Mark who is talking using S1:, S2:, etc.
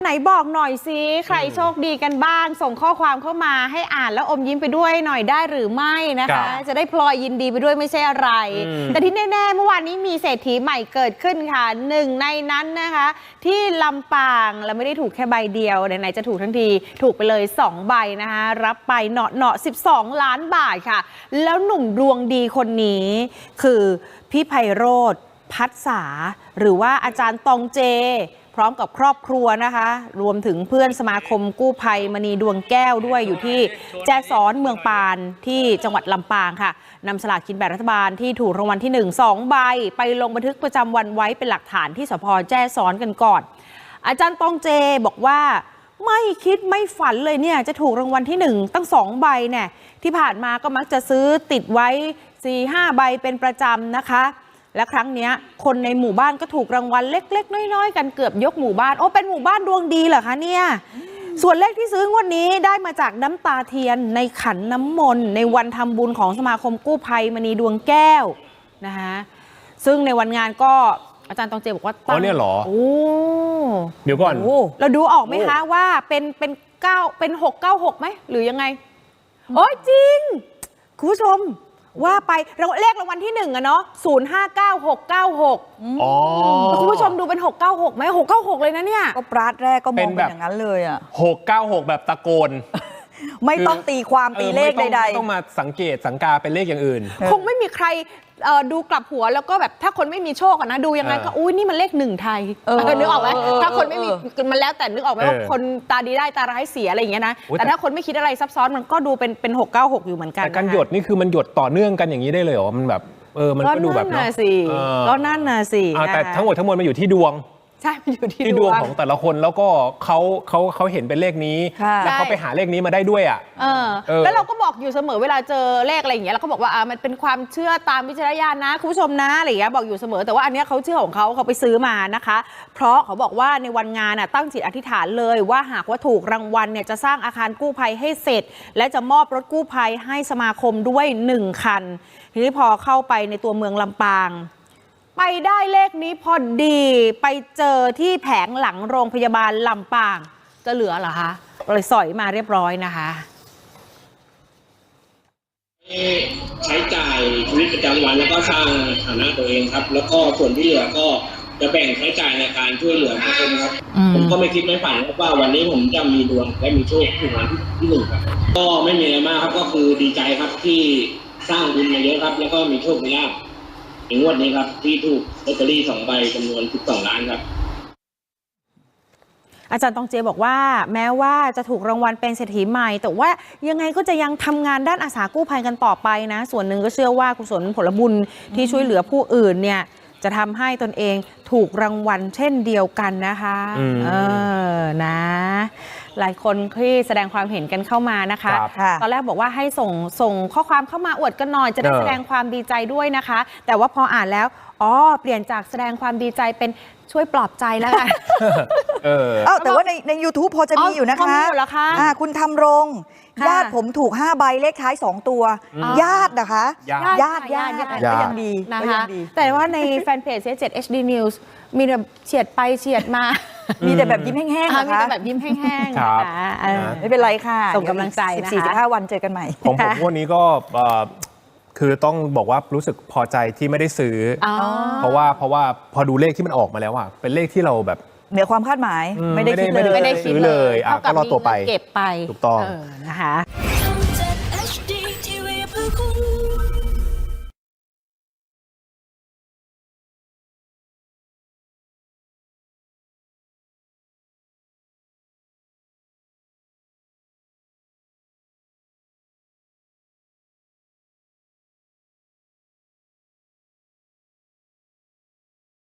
S1: ไหนบอกหน่อยสิใครโชคดีกันบ้างส่งข้อความเข้ามาให้อ่านแล้วอมยิ้มไปด้วยหน่อยได้หรือไม่นะคะจะได้พลอยยินดีไปด้วยไม่ใช่อะไรแต่ที่แน่ๆเมื่อวานนี้มีเศรษฐีใหม่เกิดขึ้นค่ะหนึ่งในนั้นนะคะที่ลำปางแล้วไม่ได้ถูกแค่ใบเดียวไหนๆจะถูกทั้งทีถูกไปเลย2ใบนะคะรับไปเนาะ12 ล้านบาทค่ะแล้วหนุ่มดวงดีคนนี้คือพี่ไพโรจน์พัฒษาหรือว่าอาจารย์ตองเจพร้อมกับครอบครัวนะคะรวมถึงเพื่อนสมาคมกู้ภัยมณีดวงแก้วด้วยอยู่ที่แจ้ซ้อนเมืองปานที่จังหวัดลำปางค่ะนำสลากกินแบ่งรัฐบาลที่ถูกรางวัลที่2ใบไปลงบันทึกประจำวันไว้เป็นหลักฐานที่สภ.แจ้ซ้อนกันก่อนอาจารย์ตองเจบอกว่าไม่คิดไม่ฝันเลยเนี่ยจะถูกรางวัลที่1ตั้ง2ใบเนี่ยที่ผ่านมาก็มักจะซื้อติดไว้ 4-5 ใบเป็นประจำนะคะและครั้งนี้คนในหมู่บ้านก็ถูกรางวัลเล็กๆน้อยๆกันเกือบยกหมู่บ้านโอ้เป็นหมู่บ้านดวงดีเหรอคะเนี่ยส่วนเลขที่ซื้องวดนี้ได้มาจากน้ำตาเทียนในขันน้ำมนต์ในวันทำบุญของสมาคมกู้ภัยมณีดวงแก้วนะคะซึ่งในวันงานก็อาจารย์ตองเจบอกว่าตั้ง
S2: เนี่ยเหรอ
S1: โอ้
S2: เดี๋ยวก่อน
S1: เราดูออกไหมคะว่าเป็น696ไหมหรือยังไงโอ้ยจริงคุณผู้ชมว่าไปเลขรางวัลที่1อะเนาะ059696คุณผู้ชมดูเป็น696ไหม696เลยนะเนี่ย
S3: ก็ปราดแรกก็มองเป็นอย่างนั้นเลยอะ
S2: 696แบบตะโกน
S3: ไม่ต้องตีความตีเลขใดๆ
S2: ไม่ต้องมาสังเกตสังกาเป็นเลขอย่างอื่น
S1: คงไม่มีใครดูกลับหัวแล้วก็แบบถ้าคนไม่มีโชคนะดูยังไงก็อุ้ยนี่มันเลข1ไทยนึกออกไหมถ้าคนไม่มีมันแล้วแต่นึกออกไหมว่าคนตาดีได้ตาร้ายเสียอะไรอย่างเงี้ยนะแต่ถ้าคนไม่คิดอะไรซับซ้อนมันก็ดูเป็น696อยู่เหมือนกัน
S2: แต่การหยดนี่คือมันหยดต่อเนื่องกันอย่างนี้ได้เลยเหรอมันแบบมันก็ดูแบบ
S1: เนาะก็นั่นน่ะสิ
S2: แต่ทั้งหมดทั้งมวลมันอยู่ที่ดวง
S1: ใช่มันอยู่ที่
S2: ดวงของแต่ละคนแล้วก็เขาเห็นเป็นเลขนี้แล้วเขาไปหาเลขนี้มาได้ด้วยอ่ะ
S1: แล้วเราก็บอกอยู่เสมอเวลาเจอเลขอะไรอย่างเงี้ยเราก็บอกว่ามันเป็นความเชื่อตามวิจารณญาณนะคุณผู้ชมนะอะไรอย่างเงี้ยบอกอยู่เสมอแต่ว่าอันเนี้ยเขาเชื่อของเขาไปซื้อมานะคะเพราะเขาบอกว่าในวันงานตั้งจิตอธิษฐานเลยว่าหากว่าถูกรางวัลเนี่ยจะสร้างอาคารกู้ภัยให้เสร็จและจะมอบรถกู้ภัยให้สมาคมด้วย1คันทีนี้พอเข้าไปในตัวเมืองลำปางไปได้เลขนี้พอดีไปเจอที่แผงหลังโรงพยาบาลลำปางจะเหลือเหรอคะเลยสอยมาเรียบร้อยนะคะ
S4: ใช้จ่ายชีวิตประจำวันแล้วก็สร้างฐานะตัวเองครับแล้วก็ส่วนที่เหลือก็จะแบ่งใช้จ่ายในการช่วยเหลือทุกคนครับผมก็ไม่คิดไม่ฝันว่าวันนี้ผมจะมีดวงและมีโชคถูกรางวัลที่1ครับก็ไม่มีอะไรมากครับก็คือดีใจครับที่สร้างบุญมาเยอะครับแล้วก็มีโชคมีลาภในงวดนี้ครับที่ถูกลอตเตอรี่2ใบจำนวน12 ล้านครับ
S1: อาจารย์ตองเจบอกว่าแม้ว่าจะถูกรางวัลเป็นเศรษฐีใหม่แต่ว่ายังไงก็จะยังทำงานด้านอาสากู้ภัยกันต่อไปนะส่วนหนึ่งก็เชื่อว่ากุศลผลบุญที่ช่วยเหลือผู้อื่นเนี่ยจะทำให้ตนเองถูกรางวัลเช่นเดียวกันนะคะนะหลายคนที่แสดงความเห็นกันเข้ามานะคะตอนแรกบอกว่าให้ส่งข้อความเข้ามาอวดกันหน่อยจะได้แสดงความดีใจด้วยนะคะแต่ว่าพออ่านแล้วเปลี่ยนจากแสดงความดีใจเป็นช่วยปลอบใจแล้วกัน
S3: แต่ว่าใน YouTube พอจะมีอยู่นะคะคุณทำรงญาติผมถูก5ใบเลขท้าย2ตัวญาตินะคะญาติก็ยังดี
S1: นะคะแต่ว่าในแฟนเพจ 7 HD News มีแบบเฉียดไปเฉียดมา
S3: มีแต่แบบยิ้มแห้งๆ
S1: มีแต่แบบยิ้มแห้งๆนะคะ
S3: ไม่เป็นไรค่ะ
S1: ส่งกำลังใจนะคะ
S3: 14-15 วันเจอกันใหม่
S2: ของผมวันนี้ก็คือต้องบอกว่ารู้สึกพอใจที่ไม่ได้ซื้อเพราะว่าพอดูเลขที่มันออกมาแล้วอ่ะเป็นเลขที่เราแบบ
S3: เหนือความคาดหมายไม่ได้คิดเลย
S1: ก็รอ
S2: ตัวไป
S1: ถูกต้องนะคะ